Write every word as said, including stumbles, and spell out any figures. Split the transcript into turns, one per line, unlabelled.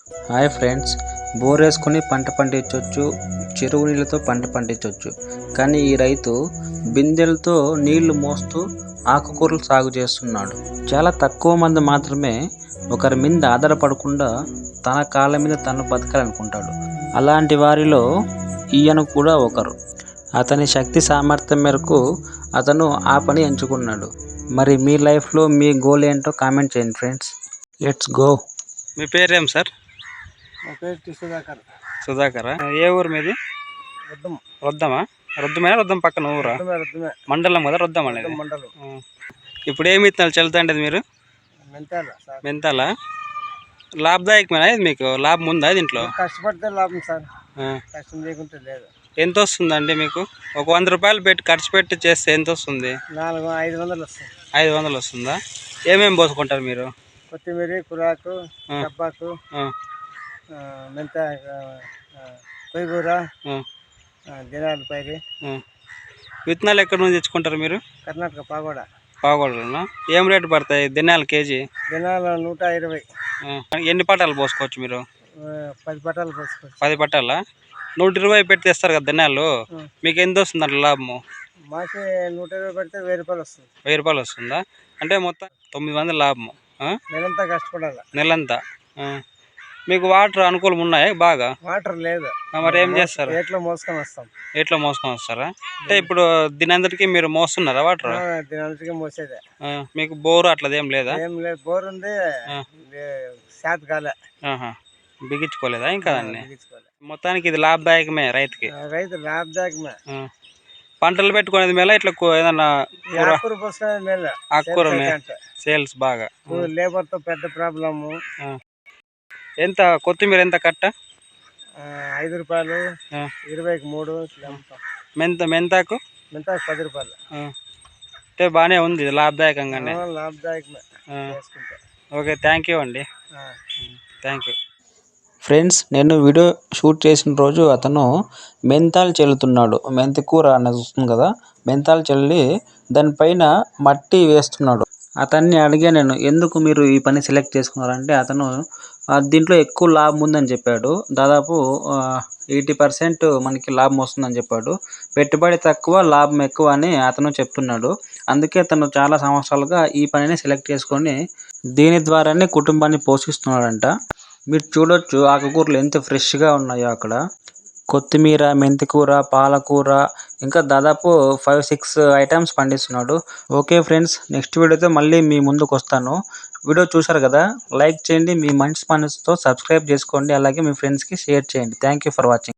Hi friends, bore వేసుకొని పంట పండించవచ్చు, చెరువు నీళ్ళతో పంట పండించవచ్చు. కానీ ఈ రైతు బిందెలతో నీళ్లు మోస్తూ ఆకుకూరలు సాగు చేస్తున్నాడు. చాలా తక్కువ మంది మాత్రమే ఒకరి మీద ఆధారపడకుండా తన కాళ్ళ మీద తను బతకాలనుకుంటాడు. అలాంటి వారిలో ఈయన కూడా ఒకరు. అతని శక్తి సామర్థ్యం మేరకు అతను ఆ పని ఎంచుకున్నాడు. మరి మీ లైఫ్లో మీ గోల్ ఏంటో కామెంట్ చేయండి ఫ్రెండ్స్. Let's go. మీ పేరేం సార్?
మా పేరు సుధాకర్.
సుధాకరా? ఏ ఊరు మీది?
రొద్దం.
రొద్దమా? రొద్దమేనా? రొద్దం పక్కన ఊరా?
రొద్దమే.
మండలం కదా రొద్దం అనేది.
మండలం.
ఇప్పుడు ఏమి విత్తనాలు చల్లుతాండేది మీరు?
మెంతాల.
మెంతాల లాభదాయకమేనా ఇది? మీకు లాభం ఉందా దీంట్లో?
కష్టపడితే లాభం సార్, కష్టం చేయకుంటే లేదు.
ఎంత వస్తుందండి మీకు? ఒక వంద రూపాయలు పెట్టి ఖర్చు పెట్టి చేస్తే ఎంత వస్తుంది?
నాలుగు ఐదు వందలు వస్తుంది.
ఐదు వందలు వస్తుందా? ఏమేమి పోసుకుంటారు మీరు?
కొత్తిమీర, కురాకు, కబ్బాకు, మెంత, కొయ్యూర, దినాల పైరి.
విత్తనాలు ఎక్కడి నుంచి తెచ్చుకుంటారు మీరు?
కర్ణాటక పాగోడ.
పాగోడలో ఏం రేటు పడతాయి దినాలు కేజీ?
దినాలు నూట ఇరవై.
ఎన్ని పట్టాలు పోసుకోవచ్చు మీరు?
పది పట్టాలు పోసుకోవచ్చు.
పది పట్టాలా? నూట ఇరవై పెట్టి తెస్తారు కదా దినాలు, మీకు ఎంత వస్తుంది అట్లా లాభము?
మాకి నూట ఇరవై పెడితే వెయ్యి రూపాయలు వస్తుంది.
వెయ్యి రూపాయలు వస్తుందా? అంటే మొత్తం తొమ్మిది వందల లాభము.
నెలంతా కష్టపడాలి.
నెలంతా. మీకు వాటర్ అనుకూలం ఉన్నాయా? బాగా
వాటర్ లేదు.
మరి ఏం చేస్తారు?
ఎట్లా మోసుకొని వస్తాం.
ఎట్లా మోసుకొని వస్తారా? అంటే ఇప్పుడు దినందరికి మీరు మోస్తున్నారా వాటర్?
దినందరికి మోసేదే.
మీకు బోరు అట్లదేం లేదా?
ఏం లేదు, బోర్ ఉంది, శాత కాలే.
బిగించుకోలేదా ఇంకా దాన్ని? మొత్తానికి ఇది లాభదాయకమే రైతుకి.
రైతు లాభదాయకమే.
పంటలు పెట్టుకునేది మేళ ఇట్లా ఏదన్నా
ఆకుకూర పోసుకునేది మేళ.
ఆకుకూర సేల్స్ బాగా.
లేబర్ తో పెద్ద ప్రాబ్లము.
ఎంత కొత్తిమీర ఎంత కట్ట?
ఐదు రూపాయలు, ఇరవైకి మూడు.
మెంత మెంతాకు
మెంతాకు పది రూపాయలు.
అంటే బాగానే ఉంది, లాభదాయకంగానే.
లాభదాయకమే.
ఓకే, థ్యాంక్ యూ అండి. Thank you friends. నేను వీడియో షూట్ చేసిన రోజు అతను మెంతాలు చల్లుతున్నాడు. మెంతి కూర అనేది వస్తుంది కదా, మెంతాలు చల్లి దానిపైన మట్టి వేస్తున్నాడు. అతన్ని అడిగా నేను, ఎందుకు మీరు ఈ పని సెలెక్ట్ చేసుకున్నారంటే అతను దీంట్లో ఎక్కువ లాభం ఉందని చెప్పాడు. దాదాపు ఎయిటీ పర్సెంట్ మనకి లాభం వస్తుందని చెప్పాడు. పెట్టుబడి తక్కువ లాభం ఎక్కువ అని అతను చెప్తున్నాడు. అందుకే అతను చాలా సంవత్సరాలుగా ఈ పనిని సెలెక్ట్ చేసుకొని దీని ద్వారానే కుటుంబాన్ని పోషిస్తున్నాడంట. మీరు చూడొచ్చు ఆకుకూరలు ఎంత ఫ్రెష్గా ఉన్నాయో అక్కడ. కొత్తిమీర, మెంతికూర, పాలకూర, ఇంకా దాదాపు ఫైవ్ సిక్స్ ఐటమ్స్ పండిస్తున్నాడు. ఓకే ఫ్రెండ్స్, నెక్స్ట్ వీడియోతో మళ్ళీ మీ ముందుకు వస్తాను. వీడియో చూశారు కదా, లైక్ చేయండి, మీ మంచి మనసుతో సబ్స్క్రైబ్ చేసుకోండి, అలాగే మీ ఫ్రెండ్స్కి షేర్ చేయండి. Thank you for watching.